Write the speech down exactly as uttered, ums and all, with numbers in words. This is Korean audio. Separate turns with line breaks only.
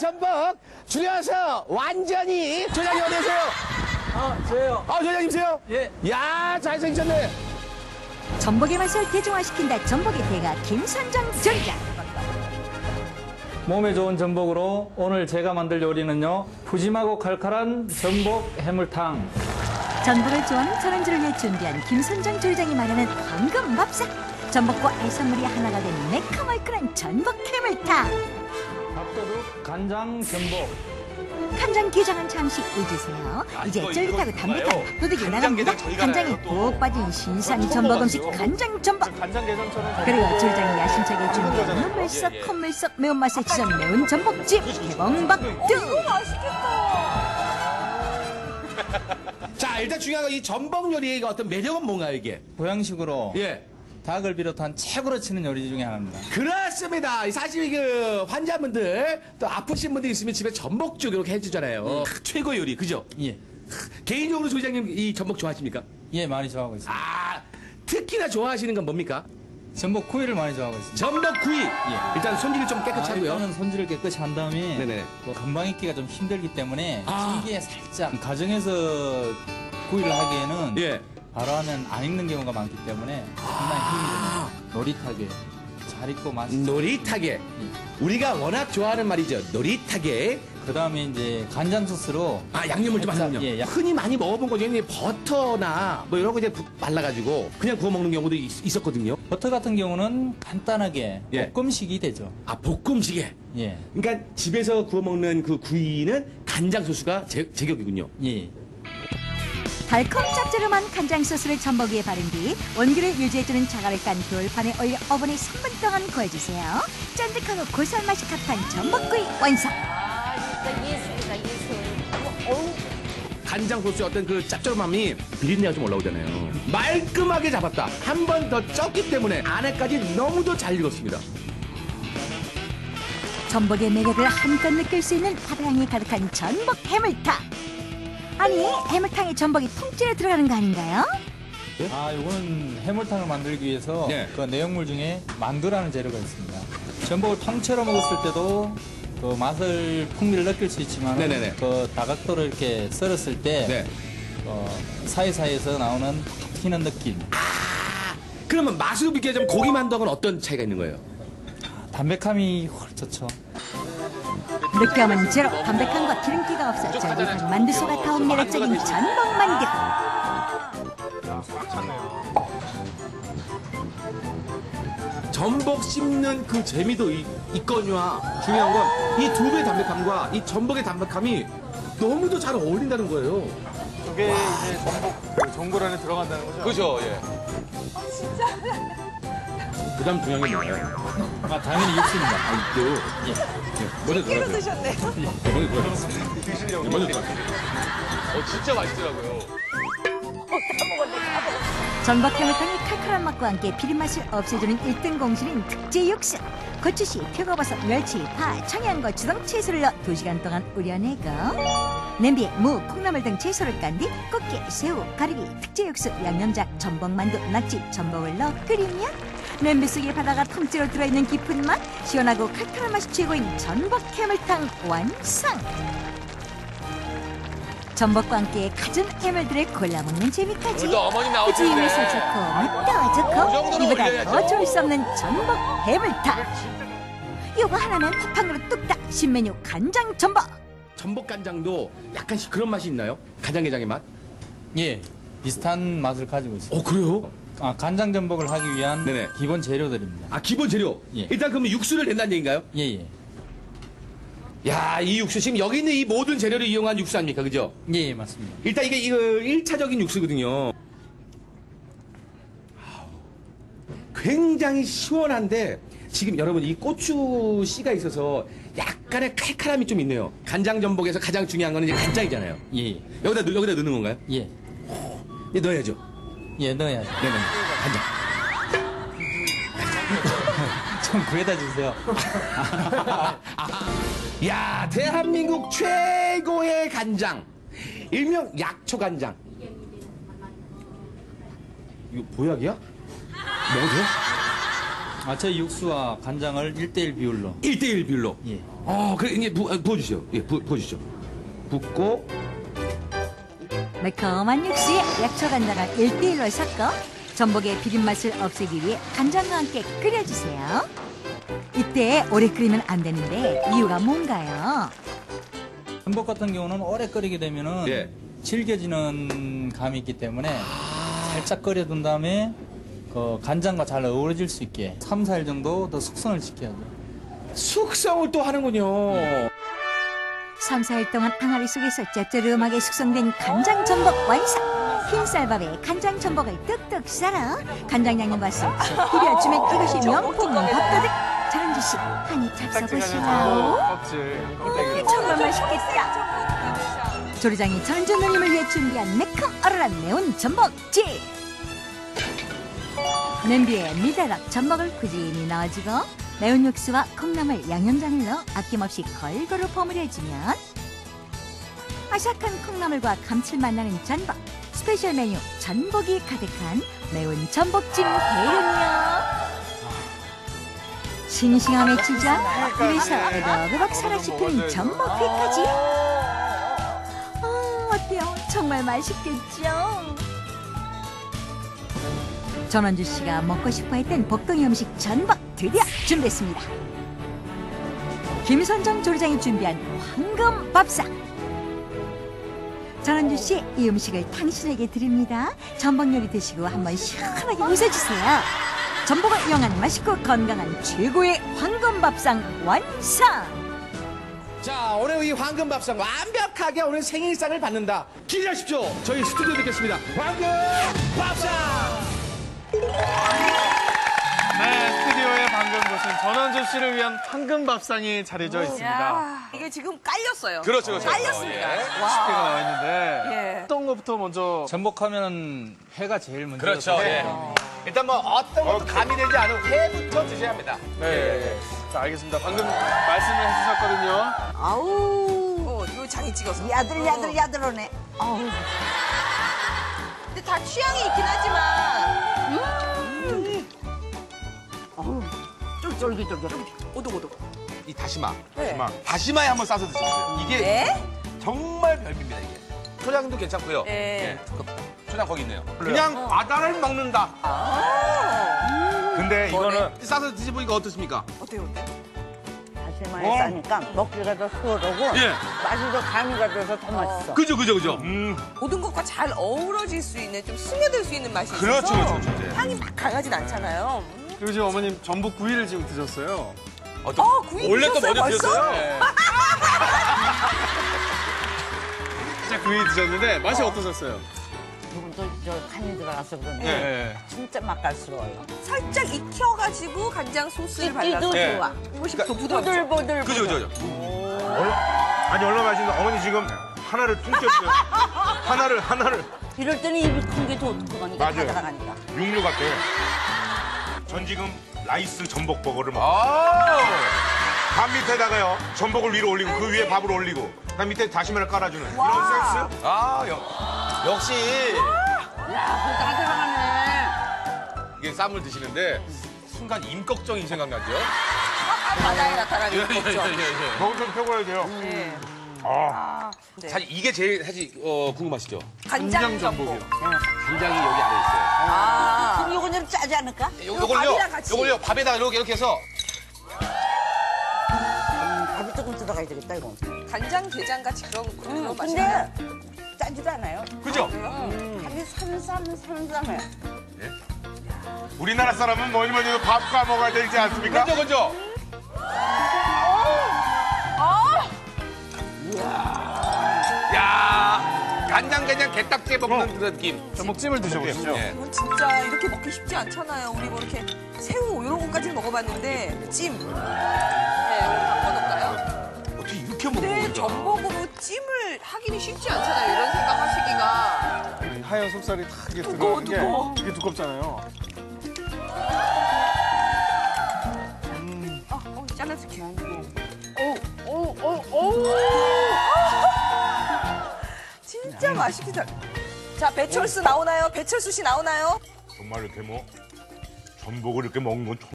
전복 줄여서 완전히 조장님 어디 계세요?
아, 저예요.
아, 조장님이세요?
예.
야, 잘생기셨네.
전복의 맛을 대중화시킨다 전복의 대가 김선정 전장.
몸에 좋은 전복으로 오늘 제가 만들 요리는요. 푸짐하고 칼칼한 전복 해물탕.
전복을 좋아하는 전원주를 위해 준비한 김선정 조리장이 말하는 황금 밥상. 전복과 해산물이 하나가 된 매콤얼큰한 전복 해물탕.
밥도둑 간장 전복.
간장 게장은 잠시 잊으세요. 이제 쫄깃하고 담백한 밥도둑이 나갑니다. 간장에 푹 빠진 신선 전복 음식 간장 전복.
간장 게장처럼.
그리고 조리장이 야심차게 준비한 눈물 썩 콧물 썩 매운맛에 지전 매운 전복찜 개봉박두.
자, 일단 중요한 건 이 전복 요리의 어떤 매력은 뭔가요, 이게?
보양식으로
예.
닭을 비롯한 최고로 치는 요리 중에 하나입니다.
그렇습니다. 사실 그 환자분들 또 아프신 분들 있으면 집에 전복죽 이렇게 해주잖아요. 크, 최고 요리, 그죠?
예.
개인적으로 조장님 이 전복 좋아하십니까?
예, 많이 좋아하고 있습니다.
아, 특히나 좋아하시는 건 뭡니까?
전복 구이를 많이 좋아하고 있습니다.
전복 구이.
예.
일단 손질을 좀 깨끗이
아,
하고요.
일단은 손질을 깨끗이 한 다음에
네네.
또 금방 익기가 좀 힘들기 때문에
아.
찜기에 살짝 가정에서 구이를 하기에는
예.
바로 하면 안 익는 경우가 많기 때문에 상당히 힘이 듭니다. 노릿하게 잘 익고 맛있죠.
노릿하게.
예.
우리가 워낙 좋아하는 말이죠. 노릿하게.
그 다음에 이제 간장 소스로
아, 양념을 좀
살짝,
하는군요.
예, 약-
흔히 많이 먹어본 거 중에 버터나 뭐 이런 거 이제 부- 발라가지고 그냥 구워 먹는 경우도 있, 있었거든요.
버터 같은 경우는 간단하게
예.
볶음식이 되죠.
아, 볶음식에.
예.
그러니까 집에서 구워 먹는 그 구이는 간장 소스가 제, 제격이군요.
예.
달콤 짭조름한 간장 소스를 전복 위에 바른 뒤 원기를 유지해주는 자갈을 깐 돌판에 올려 오븐에 삼 분 동안 구워주세요. 쫀득하고 고소한 맛이 가득한 전복구이 완성.
진짜 예술이다, 예술. 어우,
간장 소스의 어떤 그 짭조름함이 비린내가 좀 올라오잖아요. 말끔하게 잡았다. 한 번 더 쪘기 때문에 안에까지 너무도 잘 익었습니다.
전복의 매력을 한껏 느낄 수 있는 바다향이 가득한 전복 해물탕. 아니, 해물탕에 전복이 통째로 들어가는 거 아닌가요?
아, 이거는 해물탕을 만들기 위해서
네.
그 내용물 중에 만두라는 재료가 있습니다. 전복을 통째로 먹었을 때도 그 맛을 풍미를 느낄 수 있지만
네네네.
그 다각도를 이렇게 썰었을 때
네.
어, 사이사이에서 나오는 튀는 느낌,
아, 그러면 맛으로 비교하자면 고기 만두하고는 어떤 차이가 있는 거예요?
담백함이 훨 좋죠.
느끼함은 제로, 담백함과 기름기가 없어 쫄깃한 만두 속에 타온 매력적인 전복 만두.
전복 씹는 그 재미도 이- 있거니와 중요한 건 이 두부의 담백함과 이 전복의 담백함이 너무도 잘 어울린다는 거예요.
그게 이제 전복 그 전골 안에 들어간다는 거죠?
그죠, 예.
그 다음 중요한 게 뭐예요?
아, 당연히 육수입니다.
아, 이거.
예.
먼저 들어가세요.
드셨네요.
먼저 들어가세요.
드시려고.
먼저 들어가세요.
어, 진짜 맛있더라고요.
전복 해물탕의 칼칼한 맛과 함께 비린맛을 없애주는 일 등 공신인 특제 육수. 고추씨, 표고버섯, 멸치, 파, 청양고추 등 채소를 넣어 두 시간 동안 우려내고 냄비에 무, 콩나물 등 채소를 깐 뒤 꽃게, 새우, 가리비, 특제 육수, 양념장, 전복만두, 낙지, 전복을 넣어 끓이면 냄비 속에 바다가 통째로 들어있는 깊은 맛, 시원하고 칼칼한 맛이 최고인 전복 해물탕 완성! 전복과 함께 갖은 해물들을 골라먹는 재미까지
오늘도 어머니 나오시는데.
주임을 살좋고 맛도
그
좋고
정도는
이보다
올려야죠.
더 좋을 수 없는 전복 해물탕. 요거 하나면 한 그릇 뚝딱 신메뉴 간장 전복.
전복 간장도 약간씩 그런 맛이 있나요? 간장게장의 맛?
예. 비슷한 맛을 가지고 있습니다.
어, 그래요?
아, 간장 전복을 하기 위한
네네.
기본 재료들입니다.
아, 기본 재료.
예.
일단 그러면 육수를 낸다는 얘기인가요?
예, 예.
야, 이 육수 지금 여기 있는 이 모든 재료를 이용한 육수 아닙니까? 그죠?
예, 예, 맞습니다.
일단 이게 이거 일 차적인 육수거든요. 굉장히 시원한데 지금 여러분 이 고추 씨가 있어서 약간의 칼칼함이 좀 있네요. 간장 전복에서 가장 중요한 거는 이제 간장이잖아요.
예, 예.
여기다 넣- 여기다 넣는 건가요?
예.
예, 넣어야죠.
예, 넣어야죠.
네네. 간장.
좀 구해다 주세요.
야, 대한민국 최고의 간장. 일명 약초 간장. 이거 보약이야? 먹어도 돼요?
아, 저 육수와 간장을 일 대일 비율로.
일 대일 비율로.
예.
어, 그래, 이제 부, 아, 부어주시죠. 예, 부, 부어주시죠. 붓고,
매콤한 육수에 약초 간장을 일 대일로 섞어 전복의 비린맛을 없애기 위해 간장과 함께 끓여주세요. 이때 오래 끓이면 안 되는데 이유가 뭔가요?
전복 같은 경우는 오래 끓이게 되면은
예.
질겨지는 감이 있기 때문에 살짝 끓여둔 다음에 그 간장과 잘 어우러질 수 있게 삼, 사 일 정도 더 숙성을 시켜야죠.
숙성을 또 하는군요.
삼, 사 일 동안 항아리 속에서 짭조름하게 숙성된 간장 전복 완성! 흰쌀밥에 간장 전복을 뚝뚝 썰어 간장 양념과 소스 비벼주면 이것이 명품 밥도둑! 전원주 씨, 한입 잡숴보시오.
껍질.
음, 정말 맛있겠다. 조리장이 전원주 누님을 위해 준비한 매콤 얼얼한 매운 전복찜! 냄비에 미더덕 전복을 꾸준히 넣어주고 매운 육수와 콩나물, 양념장을 넣어 아낌없이 골고루 버무려주면 아삭한 콩나물과 감칠맛 나는 전복, 스페셜 메뉴 전복이 가득한 매운 전복찜 대련이요. 싱싱함에 취한 입에서 으덕으덕 살아 씹히는 전복회까지. 어, 어때요? 정말 맛있겠죠? 전원주 씨가 먹고 싶어했던 복동의 음식 전복 드디어 준비했습니다. 김선정 조리장이 준비한 황금 밥상. 전원주 씨, 이 음식을 당신에게 드립니다. 전복 요리 드시고 한번 시원하게 웃어주세요. 전복을 이용한 맛있고 건강한 최고의 황금 밥상 완성!
자, 오늘 이 황금밥상 완벽하게 오늘 생일상을 받는다. 기대하십시오. 저희 스튜디오 뵙겠습니다. 황금밥상!
네, 스튜디오의 방금 보신 전원주 씨를 위한 황금 밥상이 차려져 있습니다.
야, 이게 지금 깔렸어요.
그렇죠, 그렇죠.
깔렸습니다.
십개가 나와 있는데
예.
어떤 것부터 먼저
전복하면은 회가 제일 먼저.
그렇죠. 예. 일단 뭐 어떤 것도 가미되지 않은 회부터 드셔야 합니다.
네. 자, 알겠습니다. 방금 말씀을 해주셨거든요.
아우. 어, 이거 장이 찍어서.
야들야들 야들하네.
아우. 근데 다 취향이 있긴 하지만.
쫄깃쫄깃.
오독오독.
이 다시마.
네.
다시마에 한번 싸서 드셔보세요. 이게
네?
정말 별미입니다, 이게. 초장도 괜찮고요.
네.
예. 초장 거기 있네요. 그냥 바다를 먹는다.
근데 이거는
싸서 드셔보니까 어떻습니까?
어때요, 어때요?
다시마에 싸니까 먹기가 더 수월하고
예.
맛이 더 가미가 돼서 더 맛있어.
그죠, 그죠, 그죠.
모든 것과 잘 어우러질 수 있는, 좀 스며들 수 있는 맛이 있어서
그렇죠, 그렇죠, 그렇죠.
향이 막 강하진 않잖아요.
그리고 지금 어머님 전복 구이를 지금 드셨어요.
어, 구이
원래 또
드셨어요,
먼저
벌써?
드셨어요? 예.
진짜 구이 드셨는데 맛이 어. 어떠셨어요?
조금도 저 간이 들어가서 그런데
네.
진짜 맛깔스러워요.
살짝 익혀가지고 간장 소스를 발라서
찌도
예.
좋아.
훨씬 더 부드럽죠.
보들보들.
그죠, 그죠, 그죠.
아니 얼마나 맛있는데 어머니 지금 하나를 퉁쳤어요. 하나를 하나를
이럴 때는 입이 큰 게 더 그거니까
맞아요.
가져가니까.
육류 같아. 전 지금 라이스 전복 버거를 먹어.
아,
밥 밑에다가요 전복을 위로 올리고 그 위에 밥을 올리고 그 밑에 다시마를 깔아주는 이런 센스.
아, 역, 역시
야, 그거 다 들어가네.
이게 쌈을 드시는데 순간 임꺽정이 생각나죠?
바다에 나타나게
예, 예,
먹죠.
예, 예.
먹을 좀 펴고야 돼요.
네.
아,
네.
사실 이게 제일 사실 어, 궁금하시죠?
간장 전복.
간장이 여기 안에 있어요.
아.
그럼 이건 좀 짜지 않을까?
요, 요걸요,
밥이랑 같이.
요걸요, 밥에다 이렇게 이렇게 해서
음, 밥이 조금 들어가야 되겠다, 이거.
간장 게장 같이 그런 그런
음,
맛이
근데
나요.
짜지도 않아요.
그죠?
음, 간이 삼삼삼삼해.
우리나라 사람은 뭐니 뭐니 해도 밥과 먹어야 되지 않습니까?
그죠, 그죠? 야, 간장게장 게딱지에 먹는 그 느낌.
전복찜을 드셔보시죠.
예.
이건 진짜 이렇게 먹기 쉽지 않잖아요. 우리 뭐 이렇게 새우 이런 것까지는 먹어봤는데 찜. 네, 한번 올까요?
어떻게 이렇게 먹는
근데
거야?
전복으로 찜을 하기는 쉽지 않잖아요. 이런 생각하시기가.
이 하얀 속살이 다 이게
두꺼워,
들어가는 게
두꺼워.
이게 두껍잖아요.
아, 어, 잘라줄게. 진짜 맛있겠다. 자, 배철수 나오나요? 배철수 씨 나오나요?
정말 이렇게 뭐 전복을 이렇게 먹는 건